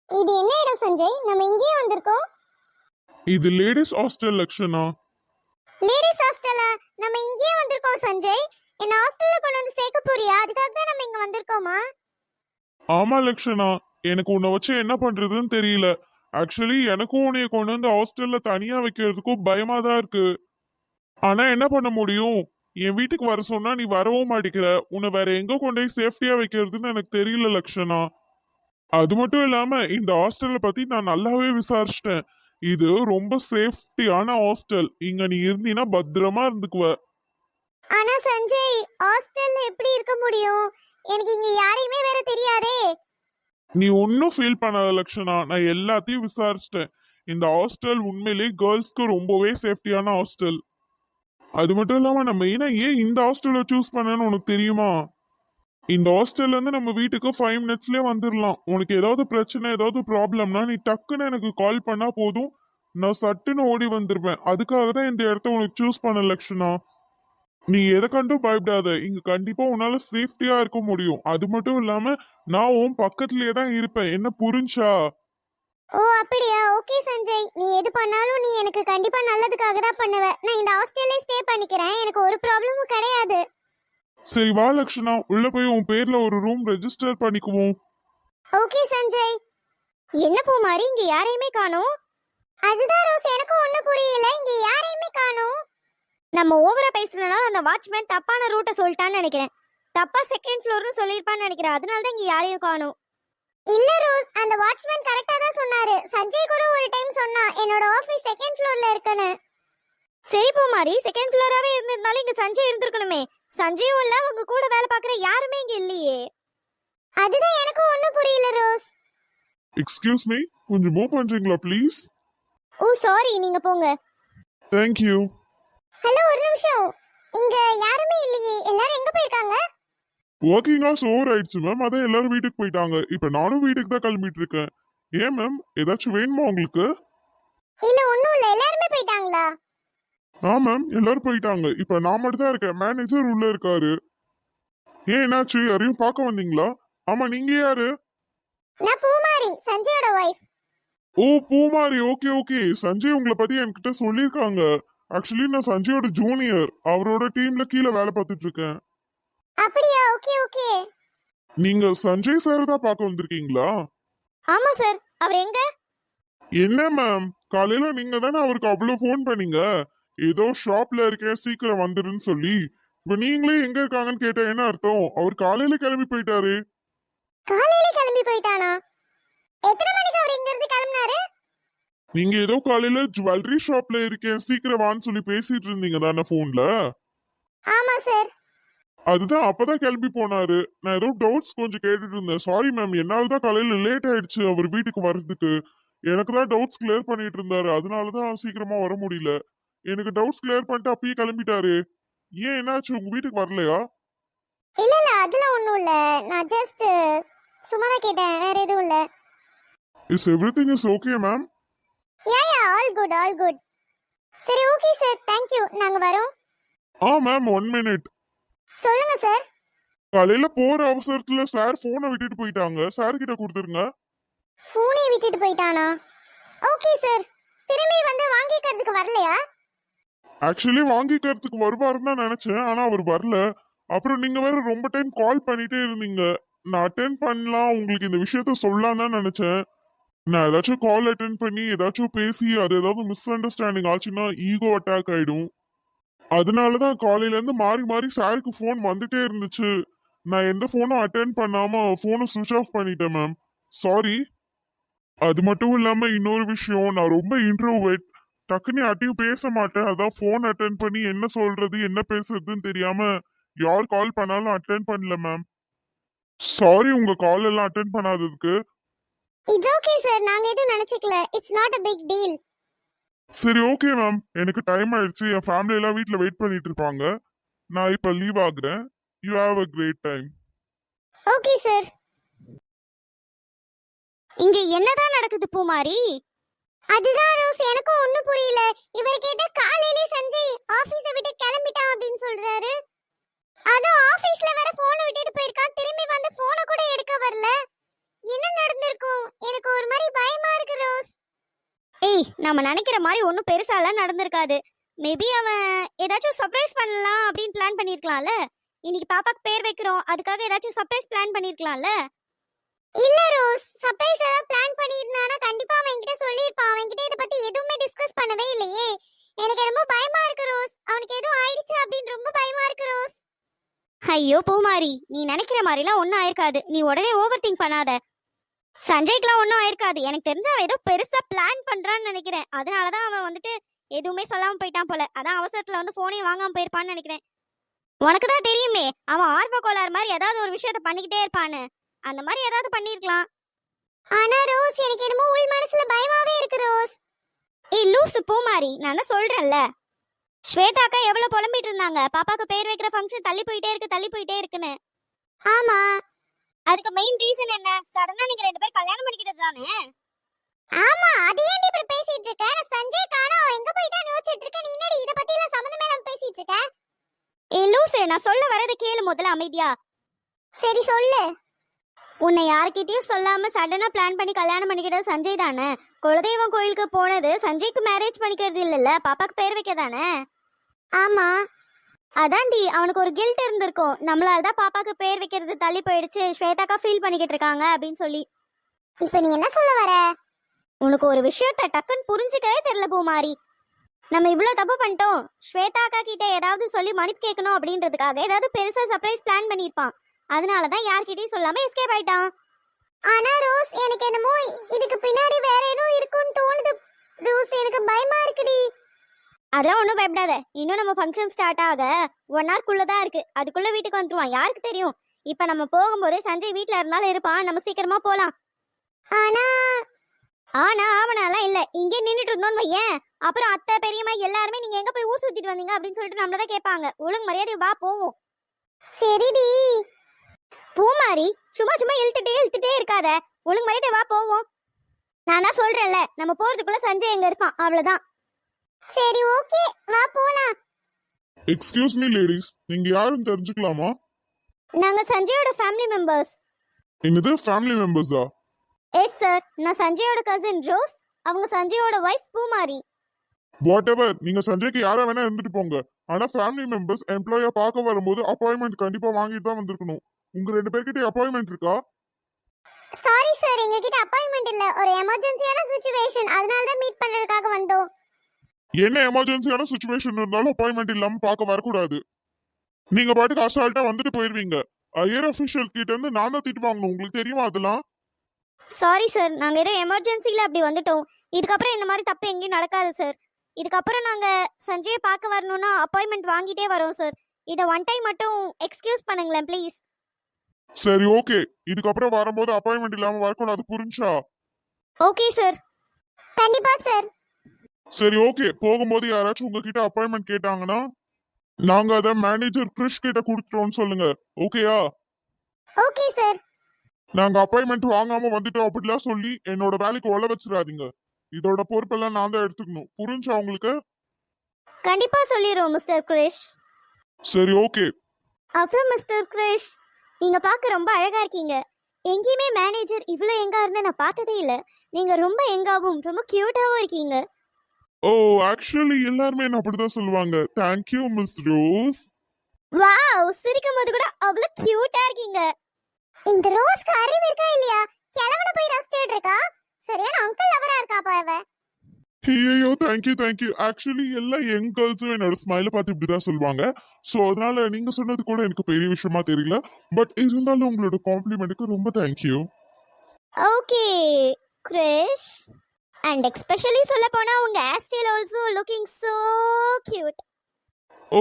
இது என்ன இடம் சஞ்சய்? நம்ம இங்கேயே வந்திருக்கோம். இது லேடிஸ் ஹாஸ்டல் லக்ஷனா. லேடிஸ் ஹாஸ்டலா? நம்ம இங்கேயே வந்திருக்கோம் சஞ்சய். என்ன ஹாஸ்டல்ல கொண்டு வந்து சேர்க்க போறியா? அதுக்காக தான் நம்ம இங்க வந்திருக்கோமா? ஆமா லக்ஷனா, எனக்கு உன்னை வச்சு என்ன பண்றதுன்னு தெரியல. ஆக்சுவலி எனக்கும் உன்னைய கொண்டு வந்து ஹாஸ்டல்ல தனியா வைக்கிறதுக்கும் பயமா தான் இருக்கு. ஆனா என்ன பண்ண முடியும்? என் வீட்டுக்கு வர சொன்னா நீ வரவும் மாட்டேங்கிற. உன்னை வேற எங்க கொண்டு போய் சேஃப்டியா வைக்கிறதுன்னு எனக்கு தெரியல லக்ஷனா. அது மட்டும் இல்லாம இந்த ஹாஸ்டலை பத்தி நான் நல்லாவே விசாரிச்சிட்டேன். இது ரொம்ப சேஃப்டியான ஹாஸ்டல். இங்க நீ இருந்தீன்னா பத்திரமா இருந்துக்குவ. ஆனா சஞ்சய், ஹாஸ்டல்ல எப்படி இருக்க முடியும்? எனக்கு இங்க யாரையுமே வேற தெரியாதே. நீ ஒன்னும் ஃபீல் பண்ணாத லக்ஷனா, நான் எல்லாத்தையும் விசாரிச்சிட்டேன். இந்த ஹாஸ்டல் உண்மையிலேயே கேர்ள்ஸ்க்கு ரொம்பவே சேஃப்டியான ஹாஸ்டல். அது மட்டும் இல்லாம நம்ம ஏன் இந்த ஹாஸ்டலை சூஸ் பண்ணேன்னு உனக்கு தெரியுமா? இந்த ஹாஸ்டல்ல இருந்து நம்ம வீட்டுக்கு 5 மினிட்ஸ்லயே வந்துடலாம். உனக்கு ஏதாவது பிரச்சனை ஏதாவது ப்ராப்ளம்னா நீ டக்குன்னு எனக்கு கால் பண்ணா போதும். நான் சட்டுன்னு ஓடி வந்துருவேன். அதுக்காக தான் இந்த இடத்த உனக்கு சூஸ் பண்ண லக்ஷனா. நீ எதை கண்டும் பயப்படாத. இங்க கண்டிப்பா உன்னால சேஃப்டியா இருக்க முடியும். அது மட்டும் இல்லாம நான் உன் பக்கத்துலயே தான் இருப்பேன். என்ன புரிஞ்சா? ஓ அப்படியா? ஓகே சஞ்சய், நீ எது பண்ணாலும் நீ எனக்கு கண்டிப்பா நல்லதுக்காக தான் பண்ணுவ. நான் இந்த ஹாஸ்டல்லே ஸ்டே பண்ணிக்கிறேன். எனக்கு ஒரு ப்ராப்ளமும் கிடையாது. சரி வா லக்ஷனா, உள்ள போய் உன் பேர்ல ஒரு ரூம் ரெஜிஸ்டர் பண்ணிக்குவோம். ஓகே சஞ்சய். என்ன பூமாரி, இங்க யாரையுமே காணோம்? அதுதான் ரோஸ், எனக்கும் ஒண்ணும் புரியல. இங்க யாரையுமே காணோம். நம்ம ஓவரா பேசுனனால அந்த வாட்ச்மேன் தப்பான ரூட்டை சொல்லிட்டான்னு நினைக்கிறேன். தப்பா செகண்ட் ஃப்ளோர்னு சொல்லிருப்பான்னு நினைக்கிறேன். அதனால தான் இங்க யாரையும் காணோம். இல்ல ரோஸ், அந்த வாட்ச்மேன் கரெக்ட்டா தான் சொன்னாரு. சஞ்சய் கூட ஒரு டைம் சொன்னா என்னோட ஆபீஸ் செகண்ட் ஃப்ளோர்ல இருக்குன்னு. சரி பூமாரி, செகண்ட் ஃப்ளோராவே இருந்திருந்தாலும் இங்க சஞ்சய் இருந்திருக்கணுமே. சஞ்சயும் இல்ல, உங்க கூட வேலை பார்க்குற யாருமே இங்க இல்லையே. அதுதான் எனக்கும் ஒண்ணும் புரியல ரோஸ். எக்ஸ்கியூஸ் மீ, கொஞ்சம் மூவ் பண்றீங்களா ப்ளீஸ்? ஓ சாரி, நீங்க போங்க. தேங்க்யூ. ஹலோ, ஒரு நிமிஷம். இங்க யாருமே இல்லையே. எல்லாரும் எங்க போயிருக்காங்க? ஒர்க்கிங் ஹவர்ஸ் ஓவர் ஆயிடுச்சு மேம், அதான் எல்லாரும் வீட்டுக்கு போயிட்டாங்க. இப்ப நானும் வீட்டுக்கு தான் கிளம்பிட்டு இருக்கேன். ஏன் மேம், ஏதாச்சும் வேணுமா உங்களுக்கு? இல்ல ஒண்ணும் இல்ல, எல்லாருமே போயிட்டாங்களா? ஆ மேம், எல்லாரும் போயிட்டாங்க. இப்ப நான் மட்டும் தான் இருக்கேன். மேனேஜர் உள்ள இருக்காரு. ஏன் என்னாச்சு? யாரையும் பார்க்க வந்தீங்களா? ஆமா, நீங்க யாரு? நான் பூமாரி, சஞ்சயோட wife. Oh Poomari, okay okay. Sanjay உங்களை பத்தி என்கிட்ட சொல்லியிருக்காங்க. ஆக்சுவலி நான் சஞ்சயோட ஜூனியர். அவரோட டீம்ல கீழே வேலை பார்த்துட்டு இருக்கேன். அப்படியா? Okay okay. நீங்க சஞ்சய் சார் தான் பார்க்க வந்திருக்கீங்களா? ஆமா சார். அவர் எங்க? என்ன மேம், காலையில நீங்க தானே அவருக்கு அவ்வளவு ஃபோன் பண்ணீங்க. ஏதோ ஷாப்ல இருக்கேன் சீக்கிரம் வந்துருன்னு சொல்லி. இப்ப நீங்களே எங்க இருக்காங்கன்னு கேட்டா என்ன அர்த்தம்? அவர் காலையில கிளம்பி போயிட்டாரு. காலையில கிளம்பி போயிட்டானா? எத்தனை மணிக்கு அவர் இங்க இருந்து கிளம்பினாரு? நீங்க ஏதோ காலையில ஜுவல்லரி ஷாப்ல இருக்கேன் சீக்கிரம் வான்னு சொல்லி பேசிட்டு இருந்தீங்க தானே போன்ல. ஆமா சார். அதுதான் அப்பதான் கிளம்பி போனாரு. நான் ஏதோ டவுட்ஸ் கொஞ்சம் கேட்டுட்டு இருந்தேன். சாரி மேம், என்னால தான் காலையில லேட் ஆயிடுச்சு அவர் வீட்டுக்கு வர்றதுக்கு. எனக்கு தான் டவுட்ஸ் கிளியர் பண்ணிட்டு இருந்தாரு. அதனாலதான் சீக்கிரமா வர முடியல. எனக்கு டவுட்ஸ் கிளியர் பண்ணிட்டு அப்பயே கிளம்பிட்டாரு. ஏன் என்னாச்சு, உங்க வீட்டுக்கு வரலையா? இல்ல இல்ல, அதெல்லாம் ஒண்ணும் இல்ல. நான் ஜஸ்ட் சும்மா தான் கேட்டேன், வேற எதுவும் இல்ல. Is everything is okay ma'am? Yeah yeah, all good all good. சரி ஓகே சார், தேங்க் யூ. நாங்க வரோம். Ah ma'am, 1 minute. சொல்லுங்க சார். காலையில போற அவசரத்துல சார் போனை விட்டுட்டு போயிட்டாங்க. சார் கிட்ட கொடுத்துருங்க. போனை விட்டுட்டு போயிட்டானா? Okay sir. திரும்பி வந்து வாங்கிக்கிறதுக்கு வரலையா? ஆக்சுவலி வாங்கிக்கிறதுக்கு வருவாருன்னு தான் நினைச்சேன். ஆனா அவர் வரல. அப்புறம் நீங்க வேற ரொம்ப டைம் கால் பண்ணிட்டே இருந்தீங்க. நான் அட்டென்ட் பண்ணலாம், உங்களுக்கு இந்த விஷயத்த சொல்லலாம் தான் நினைச்சேன். நான் ஏதாச்சும் கால் அட்டென்ட் பண்ணி ஏதாச்சும் பேசி அது ஏதாவது மிஸ் அண்டர்ஸ்டாண்டிங் ஆச்சுன்னா ஈகோ அட்டாக் ஆயிடும். அதனாலதான் காலையில இருந்து மாறி மாறி சாருக்கு ஃபோன் வந்துட்டே இருந்துச்சு. நான் எந்த ஃபோனும் அட்டென்ட் பண்ணாம ஃபோனை சுவிச் ஆஃப் பண்ணிட்டேன் மேம். சாரி. அது மட்டும் இல்லாம இன்னொரு விஷயம், நான் ரொம்ப இன்ட்ரோவர்ட். டக்குன்னு யார்ட்டையும் பேச மாட்டேன். அதான் ஃபோன் அட்டென்ட் பண்ணி என்ன சொல்றது என்ன பேசுறதுன்னு தெரியாம யார் கால் பண்ணாலும் அட்டென்ட் பண்ணல மேம். சாரி உங்க கால் எல்லாம் அட்டென்ட் பண்ணாததுக்கு. இட்ஸ் ஓகே சார், நாங்க எதுவும் நினைச்சுக்கல. It's not a big deal. சரி ஓகே மேம், எனக்கு டைம் ஆயிடுச்சு. என் ஃபேமிலி எல்லாம் வீட்ல வெயிட் பண்ணிட்டு இருப்பாங்க. நான் இப்ப லீவ் ஆகுறேன். You have a great time. Okay sir. இங்க என்னதான் நடக்குது பூமாரி? அதுதான் ரோஸ், எனக்கும் ஒண்ணும் புரியல. இவர் கேட்ட காலையிலே சஞ்சய் ஆபீஸ விட்டு கிளம்பிட்டான் அப்படின்னு சொல்றாரு. அதுவும் ஆபீஸ்ல வேற போனை விட்டுட்டு போயிருக்கான். திரும்பி வந்து போனை கூட எடுக்க வரல. என்ன நடந்திருக்கும்? எனக்கு ஒரு மாதிரி நம்ம நினைக்கிற மாதிரி ஒன்றும் பெருசாலாம் நடந்திருக்காது. மேபி அவன் ஏதாச்சும் சர்ப்ரைஸ் பண்ணலாம் அப்படின்னு பிளான் பண்ணியிருக்கலாம்ல. இன்னைக்கு பாப்பாக்கு பேர் வைக்கிறோம், அதுக்காக ஏதாச்சும் சர்ப்ரைஸ் பிளான் பண்ணியிருக்கலாம்ல. இல்ல ரோஸ், சர்ப்ரைஸ் ஏதாவது பிளான் பண்ணியிருந்தானா கண்டிப்பா அவன் என்கிட்ட சொல்லியிருப்பான். அவன் கிட்ட இத பத்தி எதுவுமே டிஸ்கஸ் பண்ணவே இல்லையே. எனக்கு ரொம்ப பயமா இருக்கு ரோஸ். அவனுக்கு எதுவும் ஆயிடுச்சு அப்படின்னு ரொம்ப பயமா இருக்கு ரோஸ். ஐயோ பூமாரி, நீ நினைக்கிற மாதிரிலாம் ஒன்றும் ஆயிருக்காது. நீ உடனே ஓவர் திங்க் பண்ணாத. சஞ்சய்க்குலாம் ஒன்றும் ஆயிருக்காது. எனக்கு தெரிஞ்ச அவன் ஏதோ பெருசா பிளான் பண்றான்னு நினைக்கிறேன். அதனாலதான் அவன் வந்துட்டு எதுவுமே சொல்லாம போயிட்டான் போல. அதான் அவசரத்துல வந்து போனையும் வாங்காம போயிருப்பான்னு நினைக்கிறேன். உனக்கு தான் தெரியுமே, அவன் ஆர்வ கோளாறு மாதிரி ஏதாவது ஒரு விஷயத்த பண்ணிக்கிட்டே இருப்பான்னு. அந்த மாதிரி ஏதாவது பண்ணிருக்கலாம். ஆனா ரோஸ், எனக்கு என்னமோ உள் மனசுல பயமாவே இருக்கு ரோஸ். ஏய் லூசு பூமாரி, நான் தான் சொல்றேன்ல. ஸ்வேதாக்கா எவ்வளவு புலம்பிட்டு இருந்தாங்க, பாப்பாக்கு பேர் வைக்கிற ஃபங்க்ஷன் தள்ளி போயிட்டே இருக்குன்னு. ஆமா, அதுக்கு மெயின் ரீசன் என்ன? சடனா நீங்க ரெண்டு பேரும் கல்யாணம் பண்ணிக்கிட்டது தானே. ஆமா, அது ஏன் இப்படி பேசிட்டு இருக்க? சஞ்சய் காணோம், எங்க போயிட்டான்னு யோசிச்சிட்டு இருக்க. நீ என்னடி இத பத்தி எல்லாம் சம்பந்தமே இல்லாம பேசிட்டு இருக்க? ஏய் லூசு, நான் சொல்ல வரது கேளு முதல்ல அமைதியா. சரி சொல்லு. உன்னை யார்கிட்டயும் சொல்லாம சடனா பிளான் பண்ணி கல்யாணம் பண்ணிக்கிட்டது சஞ்சய் தானே. குலதெய்வம் கோயிலுக்கு போனது சஞ்சய்க்கு மேரேஜ் பண்ணிக்கிறது இல்லல்ல, பாப்பாக்கு பேர் வைக்க தானே. ஆமா, அதான்டி அவனுக்கு ஒரு கில்ட் இருந்திருக்கும். நம்மளால தான் பாப்பாக்கு பேர் வைக்கிறது தள்ளி போயிடுச்சு, ஸ்வேதாக்கா ஃபீல் பண்ணிக்கிட்டு இருக்காங்க அப்படின்னு சொல்லி. இப்போ நீ என்ன சொல்ல வர? உனக்கு ஒரு விஷயத்த டக்குன்னு புரிஞ்சுக்கவே தெரியல பூமாரி. நம்ம இவ்வளோ தப்பு பண்ணிட்டோம். ஸ்வேதாக்கா கிட்ட ஏதாவது சொல்லி மன்னிப்பு கேட்கணும் அப்படின்றதுக்காக ஏதாவது பெருசா சர்ப்ரைஸ் பிளான் பண்ணியிருப்பான். அதனால தான் யார்கிட்டயும் சொல்லாம எஸ்கேப் ஆயிட்டான். ஆனா ரோஸ், எனக்கு என்னமோ இதுக்கு பின்னாடி வேற ஏதோ இருக்குன்னு தோணுது ரோஸ். எனக்கு பயமா இருக்குடி. அதெல்லாம் ஒன்றும் பயப்படாத. இன்னும் நம்ம ஃபங்க்ஷன் ஸ்டார்ட் ஆக 1 hour தான் இருக்கு. அதுக்குள்ள வீட்டுக்கு வந்துருவான், யாருக்கு தெரியும். இப்போ நம்ம போகும்போதே சஞ்சய் வீட்டில் இருந்தாலும் இருப்பான். நம்ம சீக்கிரமா போலாம். ஆனா அவனாலாம் இல்ல. இங்கே நின்றுட்டு இருந்தோன்னு வையேன், அப்புறம் அத்தை பெரியம்மா எல்லாருமே நீங்க எங்க போய் ஊர் சுத்திட்டு வந்தீங்க அப்படின்னு சொல்லிட்டு நம்மள தான் கேட்பாங்க. ஒழுங்கு மரியாதை வா போவோம். சரிடி பூமாரி, சும்மா சும்மா இழுத்துட்டே இருக்காத. ஒழுங்கு மரியாதை வா போவோம். நான் தான் சொல்றேன்ல, நம்ம போறதுக்குள்ள சஞ்சய் எங்க இருப்பான், அவ்வளவுதான். சரி ஓகே, வா போலாம். எக்ஸ்கியூஸ் மீ லேடிஸ், நீங்க யாருன்னு தெரிஞ்சுக்கலாமா? நாங்க சஞ்சயோட ஃபேமிலி மெம்பர்ஸ். என்னது ஃபேமிலி மெம்பர்ஸா? எஸ் சார், நான் சஞ்சயோட கசின் ரோஸ். அவங்க சஞ்சயோட வைஃப் பூமாரி. வாட் எவர், நீங்க சஞ்சய்க்கு யாரா வேணா இருந்துட்டு போங்க. ஆனா ஃபேமிலி மெம்பர்ஸ் எம்ப்ளாயா பார்க்க வரும்போது அப்பாயின்மெண்ட் கண்டிப்பா வாங்கிட்டு தான் வந்திருக்கணும். உங்க 2 பேர்கிட்ட அப்பாயின்மெண்ட் இருக்கா? சாரி சார், எங்க கிட்ட அப்பாயின்மெண்ட் இல்ல. ஒரு எமர்ஜென்சியான சிச்சுவேஷன், அதனால தான் மீட் பண்றதுக்காக வந்தோம். என்ன எமர்ஜென்சியான சுச்சுவேஷன் இருந்தாலும் அப்பாயின்மெண்ட் இல்லாம பார்க்க வரக்கூடாது. நீங்க பாட்டுக்கு அசால்ட்டா வந்துட்டு போயிருவீங்க. ஹையர் அஃபிஷியல் கிட்ட இருந்து நான் தான் திட்டு வாங்கணும். உங்களுக்கு தெரியுமா அதெல்லாம்? சாரி சார், நாங்க ஏதோ எமர்ஜென்சில அப்படி வந்துட்டோம். இதுக்கப்புறம் இந்த மாதிரி தப்பு எங்கேயும் நடக்காது சார். இதுக்கப்புறம் நாங்க சஞ்சயை பார்க்க வரணும்னா அப்பாயின்மெண்ட் வாங்கிட்டே வரோம் சார். இதை ஒன் டைம் மட்டும் எக்ஸ்கியூஸ் பண்ணுங்களேன் ப்ளீஸ். சரி ஓகே, இதுக்கப்புறம் வரும்போது அப்பாயின்மெண்ட் இல்லாம வரக்கூடாது, புரிஞ்சா? Okay sir. கண்டிப்பா சார். சரி ஓகே, போகும்போது யாராச்சும் உங்ககிட்ட அப்பாயின்மெண்ட் கேட்டாங்கன்னா நாங்க அதை மேனேஜர் கிறிஷ் கிட்ட கொடுத்துட்டோம்னு சொல்லுங்க. ஓகேயா? Okay sir. நாங்க அப்பாயின்மெண்ட் வாங்காம வந்துட்டோம் அப்படிலாம் சொல்லி என்னோட வேலைக்கு ஒல வச்சிடாதீங்க. இதோட பொறுப்பெல்லாம் நான் தான் எடுத்துக்கணும், புரிஞ்சா உங்களுக்கு? கண்டிப்பா சொல்லிடுவோம் மிஸ்டர் கிரிஷ். சரி ஓகே. அப்புறம் மிஸ்டர் கிரிஷ், நீங்க பார்க்க ரொம்ப அழகா இருக்கீங்க. எங்கேயுமே மேனேஜர் இவ்வளோ எங்கா இருந்து நான் பார்த்ததே இல்லை. நீங்க ரொம்ப எங்காவும் ரொம்ப கியூட்டாவும் இருக்கீங்க. ஓ, ஆக்சுவலி எல்லாருமே என்ன அப்படிதான் சொல்லுவாங்க. Thank you miss rose. வாவ், சிரிக்கும் போது கூட அவ்வளவு கியூட்டா இருக்கீங்க. இந்த ரோஸ்க்கு அறிவு இருக்கா இல்லையா? கிழவன போய் ரசிச்சிட்டு இருக்கா. சரியான அங்கிள் லவரா இருக்கா பாவ. ஐயோ, தேங்க்யூ. ஆக்சுவலி எல்லா யங் கேர்ள்ஸும் என்னோட ஸ்மைலை பார்த்து இப்படிதான் சொல்லுவாங்க. ஸோ அதனால நீங்க சொன்னது கூட எனக்கு பெரிய விஷயமா தெரியல. பட் இருந்தாலும் உங்களோட காம்ப்ளிமெண்ட்டுக்கு ரொம்ப thank you. Okay Krish, and especially சொல்ல போனா உங்க hair style also looking so cute. Oh,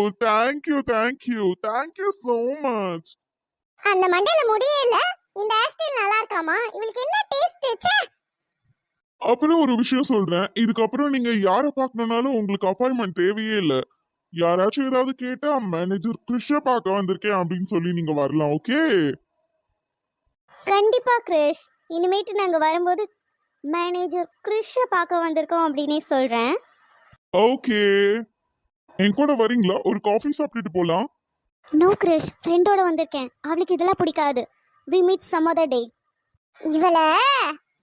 thank you so much. அந்த மண்டையில முடியே இல்ல, இந்த ஹேர் ஸ்டைல் நல்லா இருக்காமா? இவளுக்கு என்ன டேஸ்ட் ச்சே. அப்புறம் ஒரு விஷயம் சொல்றேன், இதுக்கப்புறம் நீங்க யாரை பார்க்கணும்னாலும் உங்களுக்கு அப்பாயின்மெண்ட் தேவையே இல்லை. யாராச்சும் ஏதாவது கேட்டா மேனேஜர் கிறிஷ பார்க்க வந்திருக்கேன் அப்படின்னு சொல்லி நீங்க வரலாம். ஓகே? கண்டிப்பா கிரிஷ், இனிமேட்டு நாங்க வரும்போது மேனேஜர் கிரிஷ பார்க்க வந்திருக்கோம் அப்படினே சொல்றேன். ஓகே, என் கூட வரீங்களா? ஒரு காஃபி சாப்பிட்டுட்டு போலாம். நோ கிரிஷ், ஃப்ரெண்டோட வந்திருக்கேன். அவளுக்கு இதெல்லாம் பிடிக்காது. We meet some other day. இவள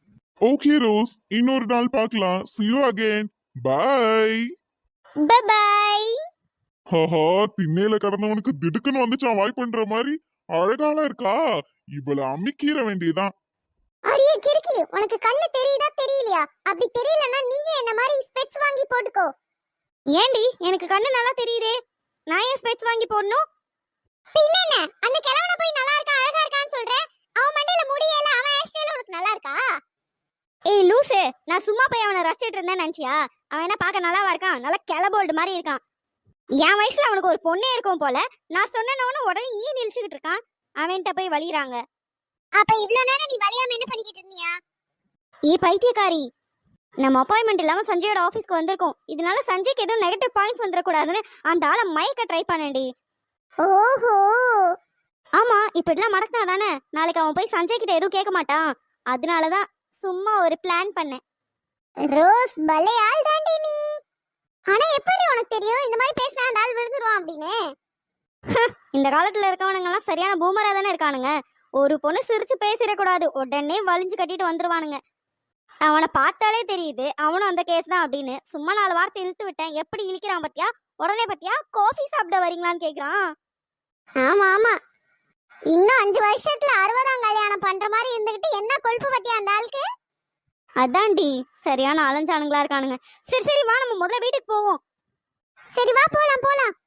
ஓகே ரோஸ், இன்னொரு நாள் பார்க்கலாம். see you again. bye. Bye. ஹஹா, திண்ணையில கடந்தவனுக்கு திடுக்குன்னு வந்துச்சான் வாய் பண்ற மாதிரி. அழகாலாம் இருக்கா, இவள அமிக்கீர வேண்டியதான். அடியே கிறுக்கி, உனக்கு கண்ணு தெரியுதா தெரியலையா? அப்படி தெரியலன்னா நீங்க என்ன மாதிரி ஸ்பெக்ஸ் வாங்கி போட்டுக்கோ. ஏண்டி, எனக்கு கண்ணு நல்லா தெரியுதே, நான் ஏன் ஸ்பெக்ஸ் வாங்கி போடணும்? பின்ன என்ன, அந்த கிழவனை போய் நல்லா இருக்கா அழகா இருக்கான்னு சொல்ற, அவன் மண்டையில முடியல, அவன் ஹேர் ஸ்டைல் உனக்கு நல்லா இருக்கா? ஏய் லூசு, நான் சும்மா போய் அவனை ரசிச்சிட்டு இருந்தேன்னு நினைச்சியா? அவன் என்ன பார்க்க நல்லாவா இருக்கான்? நல்லா கிளபோல்டு மாதிரி இருக்கான். என் வயசுல அவனுக்கு ஒரு பொண்ணே இருக்கும் போல. நான் சொன்னவன உடனே ஈ நிலிச்சுக்கிட்டு இருக்கான். அவன்கிட்ட போய் வலிறாங்க. அப்ப இவ்வளவு நேரம் நீ வலியாம என்ன பண்ணிக்கிட்டு இருந்தியா? பைத்தியக்காரி, நம்ம அப்பாயின்மெண்ட் இல்லாம சஞ்சயோட ஆபீஸ்க்கு வந்திருக்கோம். இதனால சஞ்சய்க்கு எதுவும் நெகட்டிவ் பாயிண்ட்ஸ் வந்துடக்கூடாதுன்னு அந்த ஆளை மயக்க ட்ரை பண்ணேன்டி. ஓஹோ, ஆமா, இப்படிலாம் மடக்கினா தானே நாளைக்கு அவன் போய் சஞ்சய் கிட்ட எதுவும் கேட்க மாட்டான். அதனாலதான் சும்மா ஒரு பிளான் பண்ணேன். ரோஸ், பலே ஆள் தாண்டி நீ. ஆனா எப்படி உனக்கு தெரியும் இந்த மாதிரி பேசினா அந்த ஆள் விழுந்துருவான் அப்படின்னு? இந்த காலத்துல இருக்கவனுங்க எல்லாம் சரியான பூமரா தானே இருக்கானுங்க. ஒரு பொண்ணு சிரிச்சு பேசிடக்கூடாது, உடனே வலிஞ்சு கட்டிட்டு வந்துருவானுங்க. அவனை பார்த்தாலே தெரியுது அவனும் அந்த கேஸ் தான் அப்படின்னு. சும்மா 4 வார்த்தை இழுத்து விட்டேன், எப்படி இழுக்கிறான் பத்தியா? உடனே பத்தியா காஃபி சாப்பிட வரீங்களான்னு கேக்குறான். ஆமா ஆமா, இன்னும் 5 வருஷத்துல 60ஆம் கல்யாணம் பண்ற மாதிரி இருந்துகிட்டு என்ன கொழுப்பு பத்தியா அந்த ஆளுக்கு? அதான்டி, சரியான அலைஞ்சானுங்களா இருக்கானுங்க. சரி சரி வா, நம்ம முதல்ல வீட்டுக்கு போவோம். சரி வா, போலாம் போலாம்.